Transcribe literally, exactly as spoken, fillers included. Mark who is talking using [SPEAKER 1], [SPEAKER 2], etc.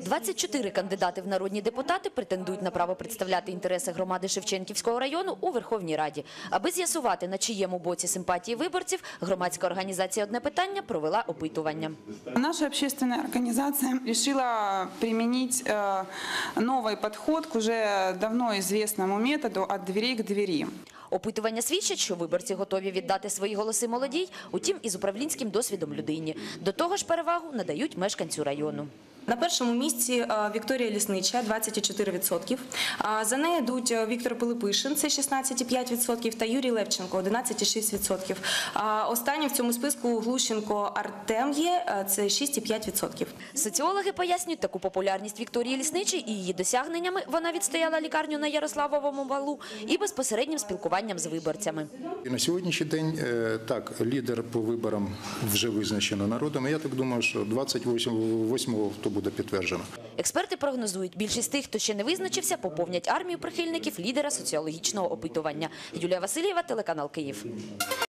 [SPEAKER 1] двадцять чотири кандидати в народні депутати претендують на право представляти інтереси громади Шевченківського району у Верховній Раді. Аби з'ясувати, на чиєму боці симпатії виборців, громадська організація «Одне питання» провела опитування.
[SPEAKER 2] Наша общественная организация решила применить новый подход к уже давно известному методу «от дверей к двери».
[SPEAKER 1] Опитування свідчать, що виборці готові віддати свої голоси молодій, утім із управлінським досвідом людині. До того ж перевагу надають мешканцю району.
[SPEAKER 3] На першому місці Вікторія Ліснича – двадцять цілих чотири десятих відсотка. За нею йдуть Віктор Пилипишин – це шістнадцять цілих п'ять десятих відсотка та Юрій Левченко – одинадцять цілих шість десятих відсотка. Останній в цьому списку Глущенко Артем є – це шість цілих п'ять десятих відсотка.
[SPEAKER 1] Соціологи пояснюють таку популярність Вікторії Лісничій і її досягненнями. Вона відстояла лікарню на Ярославовому валу і безпосереднім спілкуванням з виборцями.
[SPEAKER 4] На сьогоднішній день, так, лідер по виборам вже визначено народом. Я так думаю, що двадцять восьмого то буде підтверджено.
[SPEAKER 1] Експерти прогнозують, більшість тих, хто ще не визначився, поповнять армію прихильників лідера соціологічного опитування. Юлія Васильєва, телеканал Київ.